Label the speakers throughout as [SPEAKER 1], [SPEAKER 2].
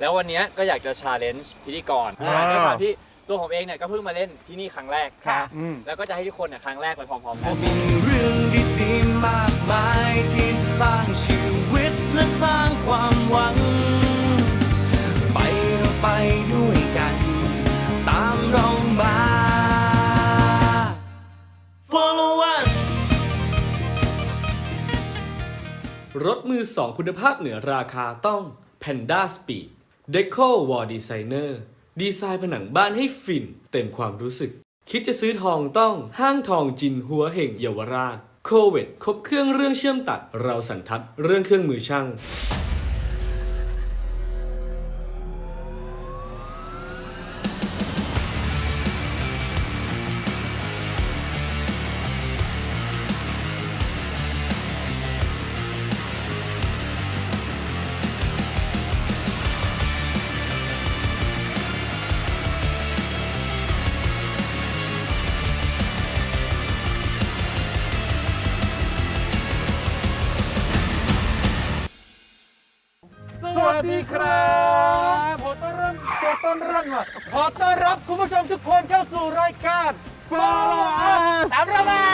[SPEAKER 1] แล้ววันนี้ก็อยากจะชาเลนจ์พิธีกรด้วยความที่ตัวผมเองเนี่ยก็เพิ่งมาเล่นที่นี่ครั้งแรกแล้วก็จะให้ทุกคนเนี่ยครั้งแรกไปพร้อมๆกัน
[SPEAKER 2] มีเรื่องดีๆมากมายที่สร้างชีวิตและสร้างความหวังไปเราไปด้วยกันตามเรามา Follow us รถมือสองคุณภาพเหนือราคาต้อง Panda Speed Deco Wall Designer ดีไซน์ผนังบ้านให้ฟินเต็มความรู้สึกคิดจะซื้อทองต้องห้างทองจินหัวเห่งเยาวราชโคเวตครบเครื่องเชื่อมตัดเราสันทัดเรื่องเครื่องมือช่าง
[SPEAKER 3] สวัสดีครับขอต้อนรับคุณผู้ชมทุกคนเข้าสู่รายการ Follow Us ตามเรามา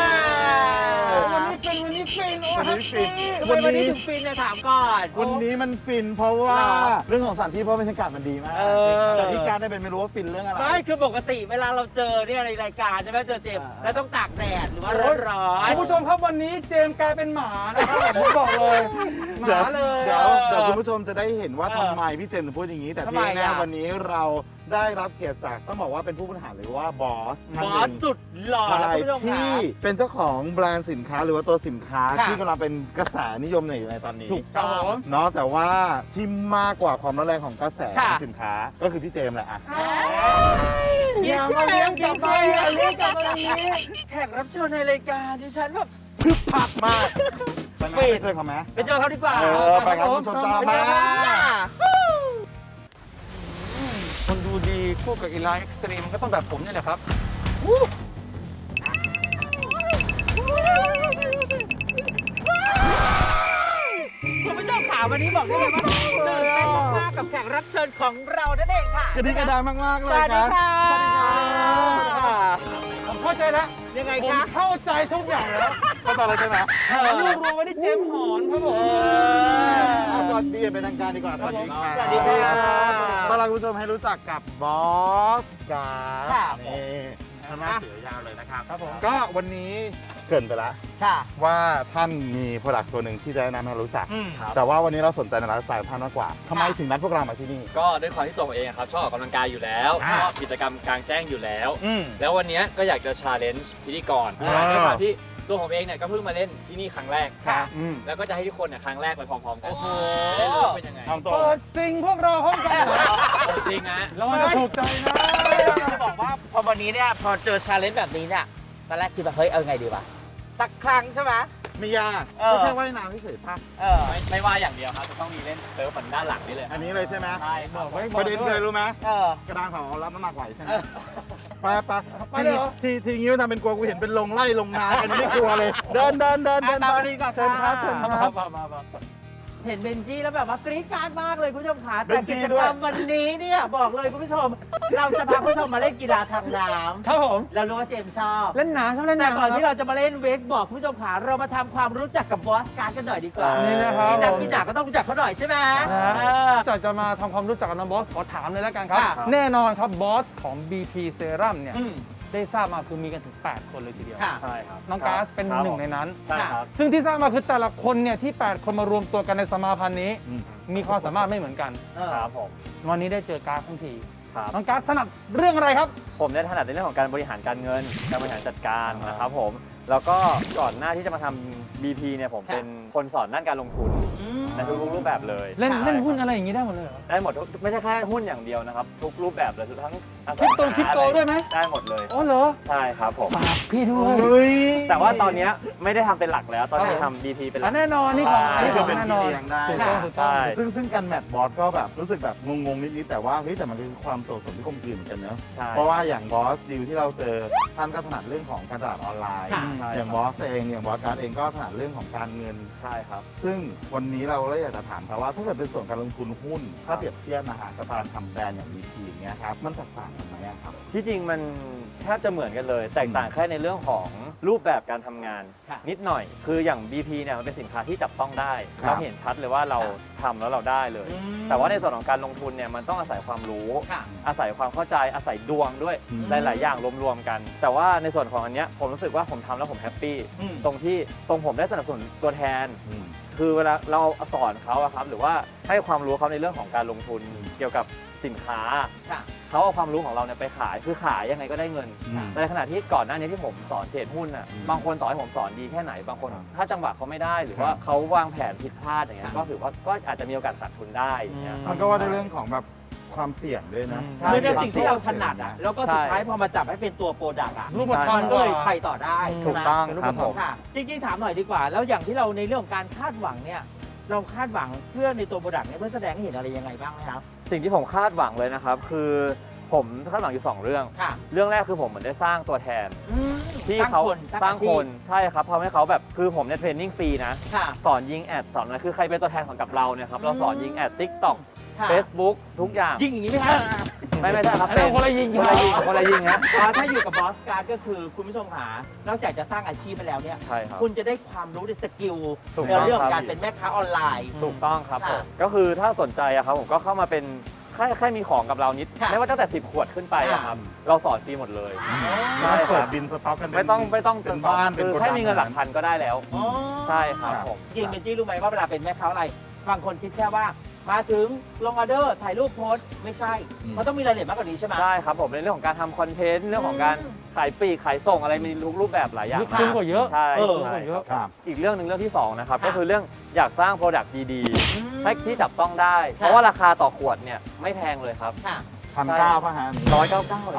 [SPEAKER 3] วันนี้ฟินวันนี้ถึงฟินเนี่ยถามก่อน
[SPEAKER 4] วันนี้มันฟินเพราะว่าเรื่องของสถานที่เพราะบรรยากาศมันดีมากแต่ที่การได้เป็นไม่รู้ว่าฟินเรื่องอะไร
[SPEAKER 3] ไม่คือปกติเวลาเราเจอเนี่ยในรายการใช่ไหมเจอเจมส์แล้วต้องตากแดดหรือว่าร้อนคุณผู้ชมครับวันนี้เจมส์กลายเป็นหมานะครับผมบอกเลยหมาเลย
[SPEAKER 4] เดี๋ยวคุณผู้ชมจะได้เห็นว่าทำไมพี่เจมส์ถึงพูดอย่างนี้แต่ที่แน่วันนี้เราได้รับเกียรติจากต้องบอกว่าเป็นผู้บริหารหรือว่าบอส
[SPEAKER 3] สุดหล่อ
[SPEAKER 4] ที่เป็นเจ้าของแบรนด์สินค้าหรือว่าตัวสินค้าที่กำลังเป็นกระแสนิยมในตอนนี้
[SPEAKER 3] ถูกต้อง
[SPEAKER 4] เนาะแต่ว่าที่มากกว่าความร้อนแรงของกระแสสินค้าก็คือพี่เจมส์แหละอ่ะ
[SPEAKER 3] อย่ามาเลี้ยงกับมาอย่าเลี้ยงกับมานี้แขกรับเชิญในรายการดิฉันแบบ
[SPEAKER 4] พึบพับมากไปเจอเขาไหม
[SPEAKER 3] ไปเจอเขาดีกว่า
[SPEAKER 4] ไปครับคุณผู้ชมตามมา
[SPEAKER 3] คนดูดีคู่กับอีไลน์เอ็กซ์ตรีมก็ต้องแบบผมนี่แหละครับคุณผู้ชมข่าววันนี้บอกได้เลยว่าตื่นเต้นมากๆกับแขกรับเชิญของเรานั่นเองค่ะ
[SPEAKER 4] กระดิ่งกระดานมากๆเลย
[SPEAKER 3] ครับสวัสดีค่ะ
[SPEAKER 4] ผมเข้าใจแล้ว
[SPEAKER 3] ยังไงคะ
[SPEAKER 4] ผมเข้าใจทุกอย่างแล้วเข้าใจอะไรใช่ไหม
[SPEAKER 3] รวมไว้ที่เจมส์หอนครับผม
[SPEAKER 4] ก่อนดีเป็นทางการดีกว่าสวัสดีครับ
[SPEAKER 3] สวัสดีครับ
[SPEAKER 4] ต้อนรับคุณผู้ชมให้รู้จักกับบอสการ์นี่ทำหน้าเสือยาวเลยนะครับก็วันนี้เกินไปแล้วว่าท่านมีโปรดักต์ตัวหนึ่งที่จะแนะนำให้รู้จักแต่ว่าวันนี้เราสนใจในไลฟ์สไตล์ท่านมากกว่าทำไมถึงนัดพวกเรามาที่นี่
[SPEAKER 1] ก็ด้วยความที่ตัวผมเองครับชอบออกกำลังกายอยู่แล้วชอบกิจกรรมกลางแจ้งอยู่แล้วแล้ววันนี้ก็อยากจะชาเลนจ์พิธีกรด้วยความที่ตัวผมเองเนี่ยก็เพิ่งมาเล่นที่นี่ครั้งแรกแล้วก็จะให้ทุกคนเนี่ยครั้งแรกไปพร้อมๆกันได้รู้เป็นยังไง
[SPEAKER 3] เปิดซิงพวกเราห้องกัน
[SPEAKER 1] เปิดซิงนะ
[SPEAKER 3] เราจะถูกใจนะจะบอกว่าพอวันนี้เนี่ยพอเจอชาเลนจ์แบบนี้เนี่ยตอนแรกคือแบบเฮ้ยเอาไงดีวะสักครั้งใช่ไหม
[SPEAKER 4] ไม่ยากก็แค่ว่ายน้ำเฉยๆป่ะ
[SPEAKER 1] ไม่ว่าอย่างเดียวครับจะต้องมีเล่นเซิร์ฟด้านหลังนี่เลย
[SPEAKER 4] อันนี้เลยใช่ไหม
[SPEAKER 1] ใช่
[SPEAKER 4] ประเด็นเลยรู้ไหมกระดานของรับน้ำหนักไหวใช่ไหมไปทีงี้ทำเป็นกลัวกูเห็นเป็นลงไล่ลงนากันไม่กลัวเลยเดิน
[SPEAKER 3] ตามนี้ก่อน
[SPEAKER 4] เชิญครับ
[SPEAKER 3] เห็นเบนจี้แล้วแบบว่ากรี๊ดกราดมากเลยคุณผู้ชมขาแต่กิจกรรมวันนี้เนี่ยบอกเลยคุณผู้ชมเราจะพาคุณผู้ชมมาเล่นกีฬาทางน้ำ
[SPEAKER 4] ครับผม
[SPEAKER 3] เรารู้ว่าเจมส์ชอบ
[SPEAKER 4] เล่นน้ำชอบเล่นน้ำ
[SPEAKER 3] แต่ก่อนที่เราจะมาเล่นเวกบอกคุณผู้ชมขาเรามาทำความรู้จักกับบอสการ์ดกันหน่อยดีกว่า
[SPEAKER 4] นี่นะครับ
[SPEAKER 3] นักกีฬาก็ต้องรู้จักเขาหน่อยใช่ไหม
[SPEAKER 4] จะมาทำความรู้จักกับน้องบอสขอถามเลยแล้วกันครับแน่นอนครับบอสของ BP Serum เนี่ยได้ทราบมาคือมีกันถึง8คนเลยทีเดียว
[SPEAKER 1] ใช่ครับ
[SPEAKER 4] น้องก๊าซเป็นหนึ่งในนั้น
[SPEAKER 1] ใช่ครับ
[SPEAKER 4] ซึ่งที่ทราบมาคือแต่ละคนเนี่ยที่8คนมารวมตัวกันในสมาพันธ์นี้มีความสามารถไม่เหมือนกัน
[SPEAKER 1] ครับผม
[SPEAKER 4] วันนี้ได้เจอก๊าซทั้งทีน้องก๊าซถนัดเรื่องอะไรครับ
[SPEAKER 1] ผมได้ถนัดในเรื่องของการบริหารการเงินการบริหารจัดการนะครับผมแล้วก็ก่อนหน้าที่จะมาทำ BP เนี่ยผมเป็นคนสอนด้านการลงทุนในทุกรูปแบบเลย
[SPEAKER 4] เล่นหุ้นอะไรอย่างนี้ได้หมดเลย
[SPEAKER 1] ได้หมดไม่ใช่แค่หุ้นอย่างเดียวนะครับทุกรูปแบบเลยทั้ง
[SPEAKER 4] คริปโตด้วยไหม
[SPEAKER 1] ได้หมดเลย
[SPEAKER 4] อ๋อเหรอ
[SPEAKER 1] ใช่ครับผม
[SPEAKER 4] พี่ด้วย
[SPEAKER 1] แต่ว่าตอนนี้ไม่ได้ทำเป็นหลักแล้วตอนนี้ทำ BP เป็นหลัก
[SPEAKER 4] แน่นอนนี่ของ
[SPEAKER 1] เป็น
[SPEAKER 4] แน่นอนถูกต้องซึ่งการแมทบอสก็แบบรู้สึกแบบงงๆนิดๆแต่ว่าเฮ้ยแต่มันคือความโสดสมที่กลมกลืนเหมือนกันเนอะเพราะว่าอย่างบอสดิวที่เราเจอท่านก็ถนัดเรื่องของการตลาดออนไลน์อย่างบอสเองอย่างบอสการ์ดเองก็ถนัดเรื่องของการเงิน
[SPEAKER 1] ใช่ครับ
[SPEAKER 4] ซึ่งวันนี้เราเลยอยากจะถามครับว่าถ้าเกิดเป็นส่วนการลงทุนหุ้นถ้าเปรียบเทียบนะฮะกับการทำแบรนด์อย่าง BP อย่างเงี้ยครับมันแตกต่างกันไหมอะครับ
[SPEAKER 1] ที่จริงมันแทบจะเหมือนกันเลย แตกต่างแค่ในเรื่องของรูปแบบการทำงาน
[SPEAKER 3] ค่ะ
[SPEAKER 1] นิดหน่อย คืออย่าง BP เนี่ยมันเป็นสินค้าที่จับต้องได้
[SPEAKER 4] ครับ
[SPEAKER 1] เราเห็นชัดเลยว่าเราทำแล้วเราได้เลย แต่ว่าในส่วนของการลงทุนเนี่ยมันต้องอาศัยความรู้
[SPEAKER 3] ค่ะ
[SPEAKER 1] อาศัยความเข้าใจอาศัยดวงด้วย
[SPEAKER 4] อืม
[SPEAKER 1] หลาย ๆ อย่างรวม ๆ กัน แต่ว่าในส่วนของอันเนี้ยผมรู้สึกว่าผมทำแล้วผมแฮปปี้
[SPEAKER 3] อืม
[SPEAKER 1] ตรงที่ผมได้สนับสนุนตัวแทน
[SPEAKER 4] อืม
[SPEAKER 1] คือเวลาเราสอนเขาอะครับหรือว่าให้ความรู้เขาในเรื่องของการลงทุนเกี่ยวกับสินค้า
[SPEAKER 3] ค่ะ
[SPEAKER 1] เขาเอาความรู้ของเราเนี่ยไปขายคือขายยังไงก็ได้เงิน
[SPEAKER 4] อืม
[SPEAKER 1] ในขณะที่ก่อนหน้านี้ที่ผมสอนเทรดหุ้นอ่ะ
[SPEAKER 4] อืม
[SPEAKER 1] บางคนต่อให้ผมสอนดีแค่ไหนบางคน
[SPEAKER 4] ครับ
[SPEAKER 1] ถ้าจังหวะเขาไม่ได้หรือ
[SPEAKER 4] ครับ
[SPEAKER 1] ว่าเขาวางแผนผิดพลาดอย่างเงี้
[SPEAKER 3] ครั
[SPEAKER 1] ย
[SPEAKER 3] บ
[SPEAKER 1] ก็ถือว่าก็อาจจะมีโอกาสขาดทุนได้อย่างเงี้ย
[SPEAKER 4] มันก็ว่าในเรื่องของแบบความเสี่ยงด้วยนะ
[SPEAKER 1] ใช่
[SPEAKER 3] คือในสิ่งที่เราถนัดอ่ะแล้วก็สุดท้ายพอมาจับให้เป็นตัวโปรดักต์อ่ะ
[SPEAKER 5] รูปธรรม
[SPEAKER 3] มันก็เลยไปต่อได้
[SPEAKER 1] ถูกต้อง
[SPEAKER 3] ใช่ไหม
[SPEAKER 1] ครับผม
[SPEAKER 3] ค่ะจริงๆถามหน่อยดีกว่า แล้วอย่างที่เราในเรื่องของการคาดหวังเนี่ยเราคาดหวังเพื่อในตัวโปรดักต์เนี่ยเพื่อแสดงให้เห็นอะไรยังไงบ้างไหมครับ
[SPEAKER 1] สิ่งที่ผมคาดหวังเลยนะครับคือผมคาดหวังอยู่ 2 เรื่อง
[SPEAKER 3] ค่ะ
[SPEAKER 1] เรื่องแรกคือผมเหมือนได้สร้างตัวแทน ที่
[SPEAKER 3] สร้าง
[SPEAKER 1] เขา
[SPEAKER 3] คน
[SPEAKER 1] สร้าง
[SPEAKER 3] อาชี
[SPEAKER 1] ค
[SPEAKER 3] พ
[SPEAKER 1] นใช่ครับทำให้เขาแบบคือผมเนี่ยเทรนนิ่งฟรีนะ
[SPEAKER 3] ค่ะ
[SPEAKER 1] สอนยิงแอดสอนอะไรคือใครเป็นตัวแทนของกับเราเนี่ยครับเราสอนยิงแอด TikTok
[SPEAKER 3] ค่ะ
[SPEAKER 1] Facebook ทุกอย่าง
[SPEAKER 3] ยิงอย่างนี้ไหมครับ
[SPEAKER 1] ไม่ใช่ครับ
[SPEAKER 5] อันนั้นคนละยิง
[SPEAKER 1] คนละยิงฮะ
[SPEAKER 3] ถ้าอยู่กับบอสการ์ดก็คือคุณผู้ชมหานอกจากจะสร้างอาชีพไปแล้วเนี่ย
[SPEAKER 1] ใช่ครับ
[SPEAKER 3] คุณจะได้ความรู้ในสกิล
[SPEAKER 1] ถูก
[SPEAKER 3] ใน
[SPEAKER 1] ต้อง
[SPEAKER 3] เรื่อง
[SPEAKER 1] ครับ
[SPEAKER 3] การเป็นแม่ค้าออนไลน์
[SPEAKER 1] ถูกต้องครับผ
[SPEAKER 3] ค่ะ
[SPEAKER 1] มก็คือถ้าสนใจอะครับผมก็เข้ามาเป็นแค่มีของกับเรานิด
[SPEAKER 3] ค่ะ
[SPEAKER 1] ไม่ว่าตั้งแต่10 ขวดขึ้นไปอะครับเราสอนฟรีหมดเลย
[SPEAKER 4] ใช่เปิดบินสต็อกกัน
[SPEAKER 1] ไม่ต้อง
[SPEAKER 4] เป็นบ้านเป็น
[SPEAKER 1] คือ
[SPEAKER 4] โกดัง
[SPEAKER 1] แค่มีเงินหลักพันก็ได้แล้ว
[SPEAKER 3] อ๋อ
[SPEAKER 1] ใช่ครับผม
[SPEAKER 3] จริงเบนจี้รู้ไหมว่าเวลาเป็นแม่ค้าอะไรบางคนคิดแค่ว่า มาถึงลงออเดอร์ถ่ายรูปโพสต์ไม่ใช่มันต้องมีรายละเอียดมากกว่านี้ใช่ไหม
[SPEAKER 1] ใช่ครับผมในเรื่องของการทำคอนเทนต์เรื่องของการขายปลีกขายส่งอะไรมีรูปแบบหลายอย่าง
[SPEAKER 5] ลึกซึ้งกว่าเยอะ
[SPEAKER 1] ใช่
[SPEAKER 3] เออ
[SPEAKER 1] ใช่
[SPEAKER 5] เยอะ
[SPEAKER 1] ครับอีกเรื่องหนึ่งเรื่องที่2นะครับ
[SPEAKER 3] ค่ะ
[SPEAKER 1] ก็คือเรื่องอยากสร้างโปรดักต์ดี
[SPEAKER 3] อืม
[SPEAKER 1] ๆให้ที่จับต้องได้ เพ
[SPEAKER 3] ค่ะ
[SPEAKER 1] ราะว่าราคาต่อขวดเนี่ยไม่แพงเลยครับ
[SPEAKER 3] ค่ะ
[SPEAKER 4] 1,900ป่ะฮะอันนี้
[SPEAKER 1] 199เอง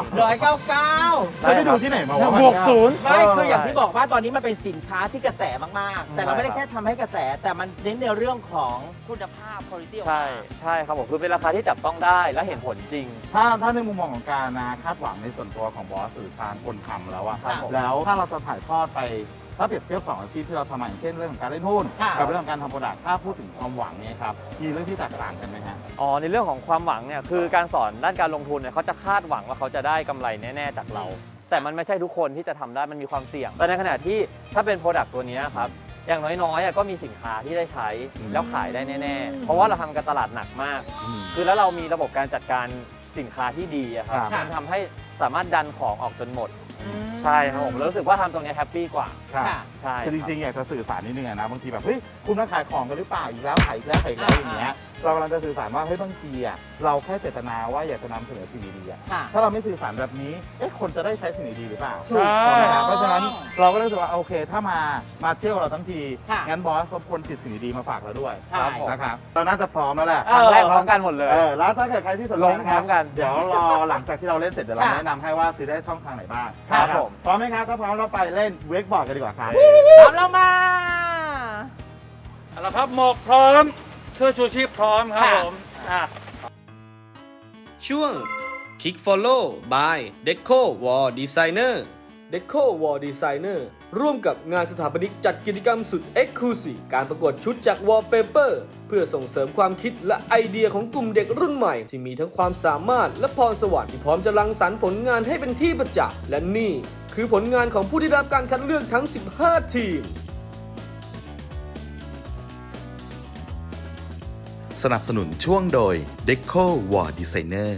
[SPEAKER 3] 199
[SPEAKER 4] เคยไปดูที่ไหนมาว่า
[SPEAKER 5] บวกศูนย์
[SPEAKER 3] ไม่คืออย่างที่บอกว่าตอนนี้มันเป็นสินค้าที่กระแสมากๆ แต่เราไม่ได้แค่ทำให้กระแส แต่มันเน้นในเรื่องของคุณภาพคุณภาพออก
[SPEAKER 1] ใช่
[SPEAKER 3] มา
[SPEAKER 1] ใช่ครับผมคือเป็นราคาที่จับต้องได้และเห็นผลจริง
[SPEAKER 4] ถ้าในมุมมองของการนะคาดหวังในส่วนตัวของบอสสื่อทางคนทำแล้วอะ
[SPEAKER 3] ครับผม
[SPEAKER 4] แล้วถ้าเราจะถ่ายทอดไปถ้าเปรียบเทียบ2อาชีพที่เราทำมาอย่างเช่นเรื่องของการเล่นหุ้น
[SPEAKER 3] ค่ะ
[SPEAKER 4] กับเรื่องของการทำโปรดักต์ถ้าพูดถึงความหวังเนี่ยครับมีเรื่องที่แตกต่างกันไหมฮะ
[SPEAKER 1] อ๋อในเรื่องของความหวังเนี่ยคือการสอนด้านการลงทุนเนี่ยเขาจะคาดหวังว่าเขาจะได้กำไรแน่ๆจากเรา แต่มันไม่ใช่ทุกคนที่จะทำได้มันมีความเสี่ยงแต่ในขณะที่ถ้าเป็นโปรดักต์ตัวเนี้ยครับอย่างน้อยๆก็มีสินค้าที่ได้ใช้แล้วขายได้แน่ๆเพราะว่าเราทำการตลาดหนักมาก คือแล้วเรามีระบบการจัดการสินค้าที่ดีอะครับ
[SPEAKER 4] ครับ
[SPEAKER 1] มันทำให้สามารถดันของออกจนหมด ใช่ครับผมรู้สึกว่าทำตรงนี้แฮปปี้กว่า
[SPEAKER 4] ครับ
[SPEAKER 3] ค่ะ
[SPEAKER 1] ใช่
[SPEAKER 4] คือจริงๆอยากจะสื่อสารนิดนึงอะนะบางทีแบบเฮ้ยคุณมาขายของกันหรือเปล่าอีกแล้วขายอีกแล้วขายอีกแล้วอย่างเงี้ยเรากำลังจะสื่อสารว่าเฮ้ยบางทีอะเราแค่เจตนาว่าอยากจะนำเสนอสิ่งดีๆอะ
[SPEAKER 3] ค่ะ
[SPEAKER 4] ถ้าเราไม่สื่อสารแบบนี้เอ๊ะคนจะได้ใช้สิ่งดีๆหรือเปล่า
[SPEAKER 3] ถูก
[SPEAKER 4] ถูกไหมครับเพราะฉะนั้นเราก็เลยรู้สึกว่าโอเคถ้ามาเที่ยวเราทั้งที
[SPEAKER 3] ค่ะ
[SPEAKER 4] งั้นบอสรบกวนติดสิ่งดีๆมาฝากเราด้วย
[SPEAKER 3] ใช่
[SPEAKER 4] นะครับเราน่าจะพร้อมแล้วแหละ
[SPEAKER 1] ครั้งแรกพร้อมกันหมดเลย
[SPEAKER 4] แล้วถ้าเกิดใครที่สนใจ
[SPEAKER 1] ลงพร้อมกัน
[SPEAKER 4] เดี๋ยวรอหลังจากที่เราเล่นเสร็จเดี๋ยวเรา
[SPEAKER 3] ค่ะ
[SPEAKER 4] แนะนำให้ว่าซื้อได้ช่องทางไหนบ้าง
[SPEAKER 1] ครับ
[SPEAKER 4] นะ
[SPEAKER 1] ผม
[SPEAKER 4] พร้อมไหมครับถ้าพร้อมเราไปเล่นเวกบอร์ดกันดีกว่าครับ
[SPEAKER 3] ตามเรามา
[SPEAKER 5] เอาละครับหมวกพร้อมเสื้อชูชีพพร้อมครับ
[SPEAKER 3] ค่ะ
[SPEAKER 5] ผมอ่ะ
[SPEAKER 2] ช่วง Kick Follow by Deco Wall Designer Deco Wall Designer ร่วมกับงานสถาปนิกจัดกิจกรรมสุด Exclusive การประกวดชุดจาก Wallpaper เพื่อส่งเสริมความคิดและไอเดียของกลุ่มเด็กรุ่นใหม่ ที่มีทั้งความสามารถและพรสวรรค์ที่พร้อมจะรังสรรค์ผลงานให้เป็นที่ประจักษ์และนี่คือผลงานของผู้ที่ได้รับการคัดเลือกทั้ง 15 ทีม
[SPEAKER 6] สนับสนุนช่วงโดย Deco Wall Designer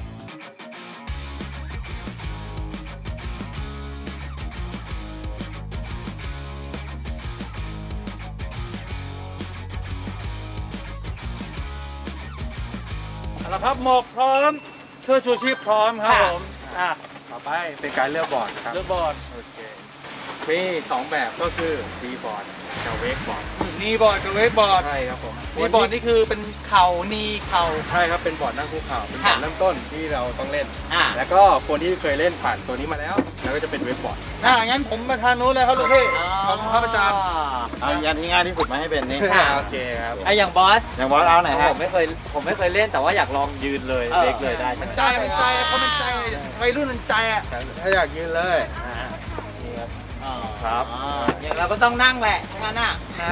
[SPEAKER 5] เอาละครับหมวกพร้อมเสื้อชูชีพพร้อมครับผมอ่ะ
[SPEAKER 7] ต่อไปเป็นการเลือกบอร์ดครับ
[SPEAKER 5] เลือกบอร์ด
[SPEAKER 7] โอเคมี2แบบก็คือดีบอร์ดกับเวกบอร์ด
[SPEAKER 5] นีบอร์ดกับเวกบอร์ด
[SPEAKER 7] ใช่ครับผม
[SPEAKER 5] นีบอร์ดนี่คือเป็นเข่านีเข่า
[SPEAKER 7] ใช่ครับเป็นบอร์ดนั่งคุกเข่าเป็นบอร์ด
[SPEAKER 3] ค่ะ
[SPEAKER 7] เริ่มต้นที่เราต้องเล่น
[SPEAKER 3] อ่า
[SPEAKER 7] แล้วก็คนที่เคยเล่นผ่านตัวนี้มาแล้วแล้วก็จะเป็นเวกบอร์ด
[SPEAKER 5] งั้นผมมาทางนู้นเลยครับลูกพี่ขอบคุณครับอาจารย์
[SPEAKER 4] เอาอย่างที่ง่ายที่สุดมาให้เป็นนี่
[SPEAKER 3] ค่ะ
[SPEAKER 7] โอเคครับ
[SPEAKER 3] ไออย่างบอส
[SPEAKER 4] อย่างบอสเอาไหนฮะ
[SPEAKER 1] ผมไม่เคยเล่นแต่ว่าอยากลองยืนเลย
[SPEAKER 3] เออ
[SPEAKER 1] เล็กเลยได้ใช่ไหม
[SPEAKER 5] ใจมันใจเขาเป็นใจวัยรุ่นมันใจอ่ะ
[SPEAKER 7] ถ้าอยากยืนเลย
[SPEAKER 1] อ่านี่ครับ
[SPEAKER 3] อ๋อ
[SPEAKER 1] ครับ
[SPEAKER 3] อย่างเราก็ต้องนั่งแหละทั้งนั้นน่ะ
[SPEAKER 5] นะ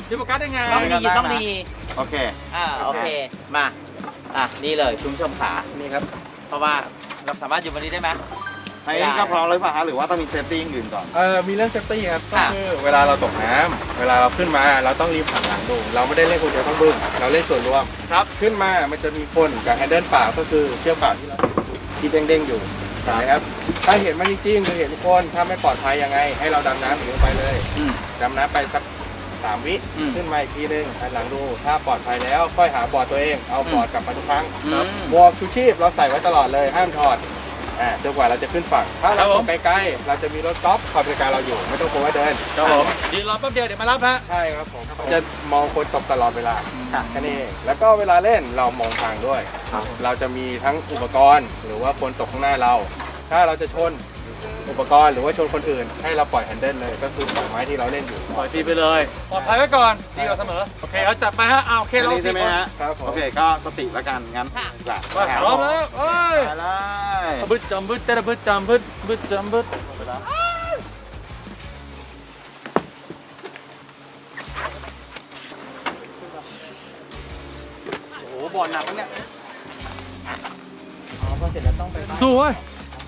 [SPEAKER 5] จุดโฟกัสได้ไง
[SPEAKER 3] ต้องมี
[SPEAKER 4] โอเค
[SPEAKER 3] โอเคมานี่เลยคุณผู้ชมขานี่ครับ เพราะว่าเราสามารถอยู่บนนี้ได้ไหม
[SPEAKER 4] อันนี้ก็พร้อมเลยป่ะฮะหรือว่าต้องมีเซฟตี้อื่นก่อน
[SPEAKER 7] มีเรื่องเซฟตี้ครับก็คือเวลาเราตกน้ำเวลาเราขึ้นมาเราต้องรีบหันหลังดู เราไม่ได้เล่นคนเดียวทั้งบึ้งเราเล่นส่วนรวมครับขึ้นมามันจะมีคนกับแฮนเดิลเปล่าก็คือเชือกเปล่าที่เราที่เด้งๆอยู่เห็นไหมครับถ้าเห็นมันจริงๆหรือเห็นทุกคนถ้าไม่ปลอดภัยยังไง ให้เราดำน้ำหนีลงไปเลยดำน้ำไปสัก3 วิขึ้นมาอีกทีนึงหันหลังดูถ้าปลอดภัยแล้วค่อยหาบอร์ดตัวเองเอาบอร์ดกลับมาทุกครั้งหมวกชูชีพเราใส่ไว้ตลอดเลยห้ามถอดจนกว่าเราจะขึ้นฝั่งถ้าเราตกไกลๆเราจะมีรถกอล์ฟคอยบริการเราอยู่ไม่ต้องกลัวว่าเดิน
[SPEAKER 5] ครับผมยืนรอแป๊บเดียวเดี๋ยวมารับฮะ
[SPEAKER 7] ใช่ครับผมจะมองคนตกตลอดเวลาแค่นี้เองแล้วก็เวลาเล่นเรามองทางด้วย เราจะมีทั้งอุปกรณ์หรือว่าคนตกข้างหน้าเรา ถ้าเราจะชนอุปกรณ์หรือว่าชนคนอื่น ให้เราปล่อยแฮนเดิลเลยก็คือปล่อยไม้ที่เราเล่นอยู่
[SPEAKER 5] ปล่อยฟรีไปเลยปลอดภัยไว้ก่อนดีกว่าเสมอโอเคเอาจัดไปฮะโอเคเรา
[SPEAKER 4] ใช่ไหมฮะ
[SPEAKER 7] ครับผม
[SPEAKER 4] โอเคก็สติแล้วกันงั้นจ้ะ
[SPEAKER 5] พร้อมแล้วเอ้ย
[SPEAKER 4] ไปเลย
[SPEAKER 5] บึ้ดจำบึ้ดเตะบึ้ดจำบึ้ดบึ้ดจำบึ้ด
[SPEAKER 1] โอ้โหบ่อหนักปะเนี่ย
[SPEAKER 3] พอเสร็จแล้วต้องไป
[SPEAKER 5] สู้เว้ย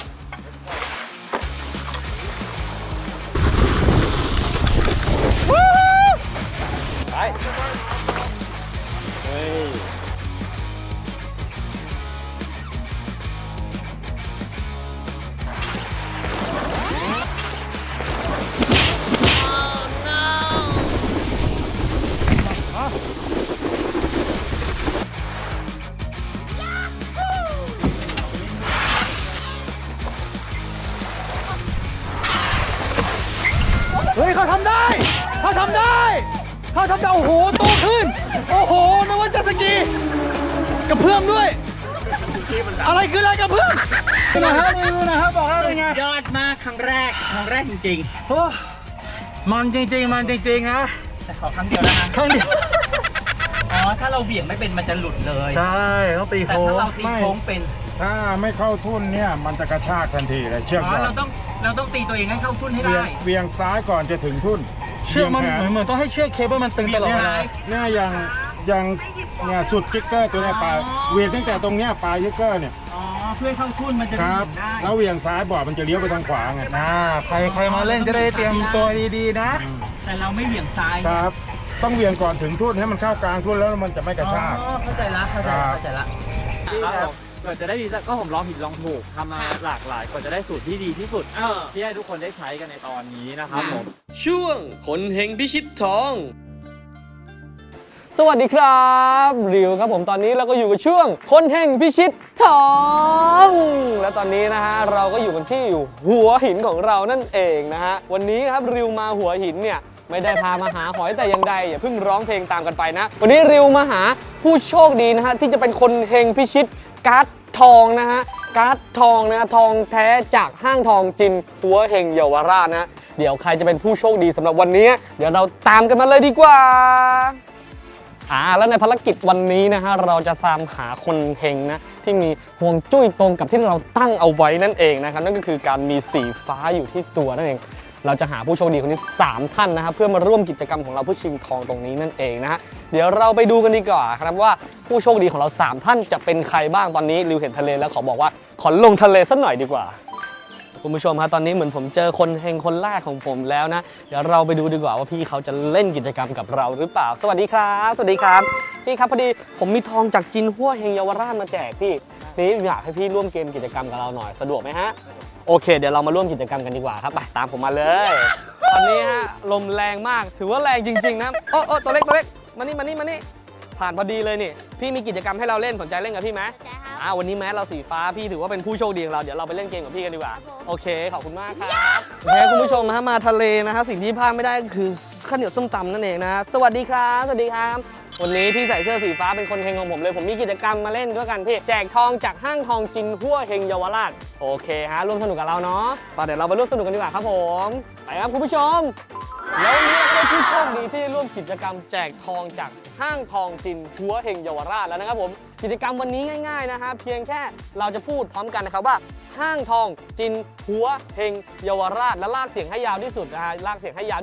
[SPEAKER 5] เฮ้ยเขาทำได้เขาทำได้เขาทำได้โอ้โหโตขึ้นโอ้โหนึกว่าจะสกีกระเพื่อมด้วยอะไรคืออะไรกระเพื่อมนะฮะนี่นะครับบอกแล้วเป็นไง
[SPEAKER 3] ยอดมากครั้งแรกจริง
[SPEAKER 5] โอ้มันจริงๆมันจริงๆนะ
[SPEAKER 3] ๆแต่ขอครั้งเดียวนะฮะ
[SPEAKER 5] ครั้งเดียว
[SPEAKER 3] อ๋อถ้าเราเหวี่ยงไม่เป็นมันจะหลุดเลย
[SPEAKER 5] ใช่ต้องตี
[SPEAKER 3] แต่
[SPEAKER 5] โค้
[SPEAKER 3] ถ้าง เราตีโค้งเป็น
[SPEAKER 8] ถ้าไม่เข้าทุ่นเนี่ยมันจะกระชากทันทีเลยเชือก
[SPEAKER 3] อ๋อ
[SPEAKER 8] ก่อน
[SPEAKER 3] เราต้องตีตัวเองให้เข้าทุ่นให้
[SPEAKER 8] เวียง
[SPEAKER 3] ได้
[SPEAKER 8] เวียงซ้ายก่อนจะถึงทุ่น
[SPEAKER 5] เชือกมัน
[SPEAKER 8] วียงแข
[SPEAKER 5] เหมือนต้องให้เชือกเคเบิลมันตึงตลอด
[SPEAKER 8] เนี่ย
[SPEAKER 5] เวลา
[SPEAKER 8] เนี่ยอย่างเนี่ยสุดจิกเกอร์ตัวเนี้ยปลายเวียงตั้งแต่ตรงเนี้ยปลายจิกเกอร์เนี่ย
[SPEAKER 3] อ๋อเพื่อให้เข้าทุ่นมันจะ
[SPEAKER 8] ค
[SPEAKER 3] ได้
[SPEAKER 8] รับ
[SPEAKER 3] ได้
[SPEAKER 8] แล้วเวียงซ้ายบอร์ดมันจะเลี้ยวไปทางขวาไง
[SPEAKER 5] ใครมาเล่นจะได้เตรียมตัวดีๆนะ
[SPEAKER 3] แต่เราไม่เหวี่ยงซ้าย
[SPEAKER 8] ครับ ต้องเวียงก่อนถึงทุ่นให้มันเข้ากลางทุ่นแล้วมันจะไม่กระชาก
[SPEAKER 3] อ๋อเข้าใจละ
[SPEAKER 8] ครับ
[SPEAKER 3] ละ
[SPEAKER 1] ครับผมเกิดจะได้ดีก็ผมลองผิดลองถูกทำมาหลากหลายกว่าจะได้สูตรที่ดีที่สุดที่ให้ทุกคนได้ใช้กันในตอนนี้นะครับผม
[SPEAKER 2] ช่วงคนเฮงพิชิตทอง
[SPEAKER 9] สวัสดีครับริวครับผมตอนนี้เราก็อยู่กับช่วงคนแห่งพิชิตทองและตอนนี้นะฮะเราก็อยู่กันที่หัวหินของเรานั่นเองนะฮะวันนี้ครับริวมาหัวหินเนี่ยไม่ได้พามาหาหอยแต่อย่างใดอย่าเพิ่งร้องเพลงตามกันไปนะวันนี้ริวมาหาผู้โชคดีนะฮะที่จะเป็นคนเฮงพิชิตการ์ดทองนะฮะการ์ดทองนะทองแท้จากห้างทองจินหัวเฮงเยาวราชนะเดี๋ยวใครจะเป็นผู้โชคดีสำหรับวันนี้เดี๋ยวเราตามกันมาเลยดีกว่าแล้วในภารกิจวันนี้นะฮะเราจะตามหาคนเฮงนะที่มีห่วงจุ้ยตรงกับที่เราตั้งเอาไว้นั่นเองนะครับนั่นก็คือการมีสีฟ้าอยู่ที่ตัวนั่นเองเราจะหาผู้โชคดีคนนี้3ท่านนะครับเพื่อมาร่วมกิจกรรมของเราเพื่อชิงทองตรงนี้นั่นเองนะฮะเดี๋ยวเราไปดูกันดีกว่าครับว่าผู้โชคดีของเรา3ท่านจะเป็นใครบ้างตอนนี้ริวเห็นทะเลแล้วขอบอกว่าขอลงทะเลสักหน่อยดีกว่าคุณผู้ชมครับตอนนี้เหมือนผมเจอคนเฮงคนแรกของผมแล้วนะเดี๋ยวเราไปดูดีกว่าว่าพี่เขาจะเล่นกิจกรรมกับเราหรือเปล่าสวัสดีครับสวัสดีครับพี่ครับพอดีผมมีทองจากจินหัวเฮงเยาวราชมาแจกพี่นี่อยากให้พี่ร่วมเกมกิจกรรมกับเราหน่อยสะดวกไหมฮะโอเคเดี๋ยวเรามาร่วมกิจกรรมกันดีกว่าครับไปตามผมมาเลยตอนนี้ฮะลมแรงมากถือว่าแรงจริงๆนะโอ้ตัวเล็กมานี่ผ่านพอดีเลยนี่พี่มีกิจกรรมให้เราเล่นสนใจเล่นกับพี่ไหมวันนี้แม้เราสีฟ้าพี่ถือว่าเป็นผู้โชคดีของเราเดี๋ยวเราไปเล่นเกมกับพี่กันดีกว่าโอเคขอบคุณมากครับโอเคคุณผู้ชมนะมาทะเลนะครับสิ่งที่พลาดไม่ได้ก็คือข้าวเหนียวส้มตำนั่นเองนะสวัสดีครับวันนี้พี่ใส่เสื้อสีฟ้าเป็นคนเฮงของผมเลยผมมีกิจกรรมมาเล่นด้วยกันพี่แจกทองจากห้างทองจินหัวเฮงเยาวราชโอเคฮะร่วมสนุกกับเราเนาะเดี๋ยวเราไปร่วมสนุกกันดีกว่าครับผมไปครับคุณผู้ชมแล้ววันนี้เราได้ผู้โชคดีที่ร่วมกิจกรรมแจกทองจากห้างทองจินหัวเฮงเยาวราชแล้วนะครับผมกิจกรรมวันนี้ง่ายๆนะฮะเพียงแค่เราจะพูดพร้อมกันนะครับว่าห้างทองจินหัวเฮงเยาวราชและลากเสียงให้ยาวที่สุดนะฮะลากเสียงให้ยาวที่สุด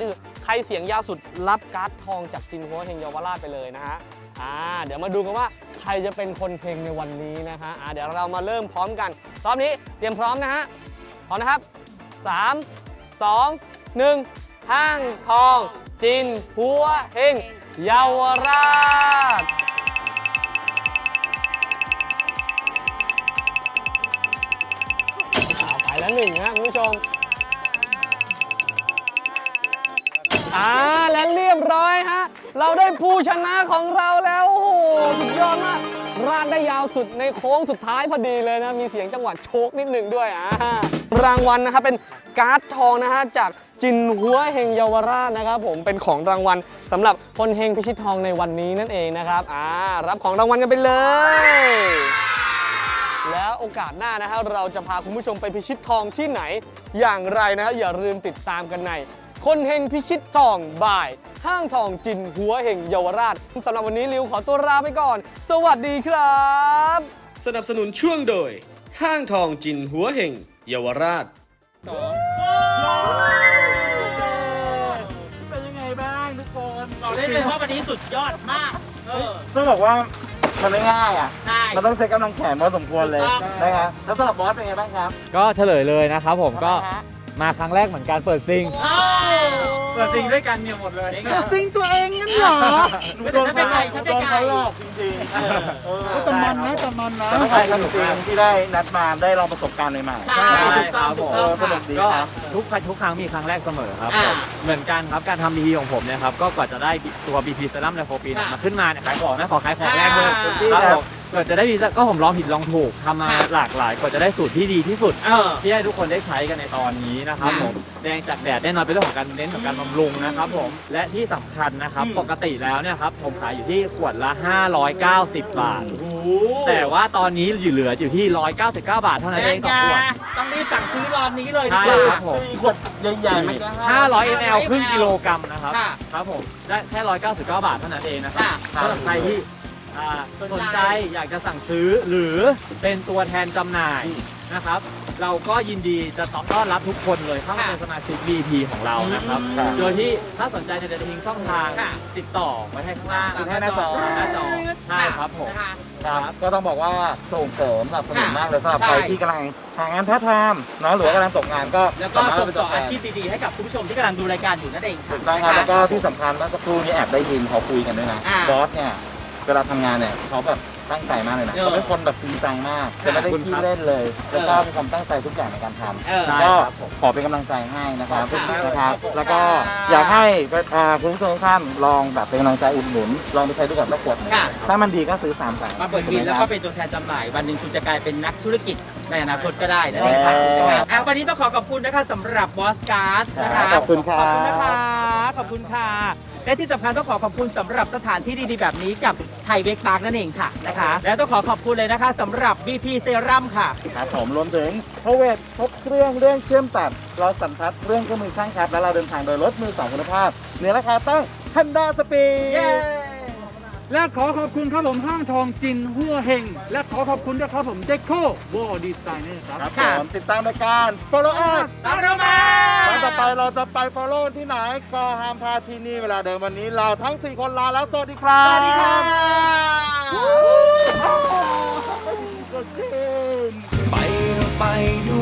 [SPEAKER 9] ใครเสียงยาวสุดรับการ์ดทองจากจินหัวเฮงเยาวราชไปเลยนะฮะเดี๋ยวมาดูกันว่าใครจะเป็นคนเฮงในวันนี้นะฮะเดี๋ยวเรามาเริ่มพร้อมกันรอบนี้เตรียมพร้อมนะฮะพร้อมนะครับ3 2 1ห้างทองจินหัวเฮงเยาวราชไปแล้วหนึ่งนะคุณผู้ชมและเรียบร้อยฮะเราได้ผู้ชนะของเราแล้วโอ้โหสุดยอดมากราดได้ยาวสุดในโค้งสุดท้ายพอดีเลยนะมีเสียงจังหวะโชกนิดหนึ่งด้วยรางวัลนะครับเป็นการ์ดทองนะฮะจากจินหัวเฮงเยาวราชนะครับผมเป็นของรางวัลสำหรับคนเฮงพิชิตทองในวันนี้นั่นเองนะครับรับของรางวัลกันไปเลยแล้วโอกาสหน้านะฮะเราจะพาคุณผู้ชมไปพิชิตทองที่ไหนอย่างไรนะฮะอย่าลืมติดตามกันในคนเฮงพิชิตทองบ่ายห้างทองจินหัวเฮงเยาวราชสำหรับวันนี้ริวขอตัวลาไปก่อนสวัสดีครับ
[SPEAKER 2] สนับสนุนช่วงโดยห้างทองจินหัวเฮงเยาวราช
[SPEAKER 3] เป็นยังไงบ้างทุกคนบอกได้เลยว่าวันนี้สุดยอดมาก
[SPEAKER 4] ต้องบอกว่ามันไม่ง่ายอ่ะมันต้องใช้กำลังแขนพอสมควรเลยนะครับแล้วสำหรับบอสเป็นไงบ้างครับ
[SPEAKER 1] ก็เฉลยเลยนะครับผมก็มาครั้งแรกเหมือนกันเปิดซิงด้วยกันเนี่ยหมดเลย
[SPEAKER 3] ซิงตัวเองงั้นเหรอ
[SPEAKER 4] โดนเขาหลอกจริงๆ
[SPEAKER 3] แต่มันนะ
[SPEAKER 4] แต่ไม่ใช่ครับจริงที่ได้นัดมาได้ลองประสบการณ์ใหม่ๆ
[SPEAKER 3] ใช่ครับผม
[SPEAKER 4] สนุกดีครับ
[SPEAKER 1] ทุกครั้งมีครั้งแรกเสมอครับเหมือนกันครับการทำ BP ของผมเนี่ยครับก็กว่าจะได้ตัว BP เซรั่มไลโคปีนมาขึ้นมาเนี่ยขายของนะขอขายของแรกเลยครับผมกว่าจะได้ก็ผมลองผิดลองถูกทำมาหลากหลายกว่าจะได้สูตรที่ดีที่สุดที่ให้ทุกคนได้ใช้กันในตอนนี้นะครับผมแดงจากแดดแน่นอนเป็นเรื่องของการเน้นของการบำรุงนะครับผมและที่สำคัญนะครับปกติแล้วเนี่ยครับผมขายอยู่ที่ขวดละ590 บาทแต่ว่าตอนนี้เหลืออยู่ที่199 บาทเท่านั้นเองต่อขวด
[SPEAKER 3] ต้องรีบสั่งซื้อรอบนี้เลย
[SPEAKER 1] ใช่ครับผม
[SPEAKER 3] ขวดใหญ่ๆมัน
[SPEAKER 1] 500 ml ครึ่งกิโลกรัมนะครับครับผมได้แค่199 บาทเท่านั้นเองนะครับสำหรับใครที่สนใจอยากจะสั่งซื้อหรือเป็นตัวแทนจำหน่ายนะครับเราก็ยินดีจะต้อนรับทุกคนเลยเข้ามาเป็นสมาชิก BP ของเรานะครับโดยที่ถ้าสนใจจะทิ้งช่องทางติดต่อไว้ให้ข้างล่าง
[SPEAKER 4] ให้หน้าจอ
[SPEAKER 1] ใช่ครับผม
[SPEAKER 4] ครับก็ต้องบอกว่าส่งเสริมสนับสนุนมากเลยสำหรับใครที่กำลังหางานพาร์ทไทม์หรือว่ากำลังตกงานก็
[SPEAKER 3] แล้วก็ส่งต่ออาชีพดีๆให้กับคุณผู้ชมที่กำลังดูรายการอยู่นั่นเอง
[SPEAKER 4] ถูกต้องครับแล้วก็ที่สำคัญเมื่อสักครู่นี้แอบได้ยินเขาคุยกันด้วยนะบอสเนี่ยเวลาทำงานเนี่ยเขาแบบตั้งใจมากเลยนะเขาเป็นคนแบบจริงจังมากจะไม่ได้ขี้เล่นเลยแล้วก็มีความตั้งใจทุกอย่างในการทำก็ขอเป็นกำลังใจให้นะครับแล้วก็อยากให้คุณผู้ชมทุกท่านลองแบบเป็นกำลังใจอุดหนุนลองไปใช้ดูกับละขวดถ้ามันดีก็ซื้อ3 สาย
[SPEAKER 3] มาเปิดบินแล้วก็เป็นตัวแทนจำหน่ายวันหนึ่งคุณจะกลายเป็นนักธุรกิจในอนาคตก็ได้นะครับวันนี้ต้องขอบคุณนะคะสำหรับบอสการ์ดนะคะ
[SPEAKER 4] ขอบคุณค่ะ
[SPEAKER 3] ขอบคุณค่ะและที่สำคัญต้องขอบคุณสำหรับสถานที่ดีๆแบบนี้กับไทยเวกพาร์คนั่นเองค่ะนะคะและต้องขอบคุณเลยนะคะสำหรับ BP เซรั่มค่ะ
[SPEAKER 4] ครับผมรวมถึงโฮเวทครบเครื่องเรื่องเชื่อมตัดเราสัมผัสเรื่องเครื่องมือช่างครับและเราเดินทางโดยรถมือ2คุณภาพเหนือราคาตั้งHonda Speed
[SPEAKER 5] และขอขอบคุณครับผมห้างทองจินหัวเฮงและขอขอบคุณด้วยครับผมเดโควอลดีไซเนอร์
[SPEAKER 4] ครับผมติดตามรายการ Follow Us
[SPEAKER 3] ตามเรามา
[SPEAKER 4] วันต่อไปเราจะไป Follow ที่ไหนก็ห้ามพลาดที่นี่เวลาเดิมวันนี้เราทั้ง4คนลาแล้วสวัสดีครับ
[SPEAKER 3] สวัสดีครับ
[SPEAKER 6] ไป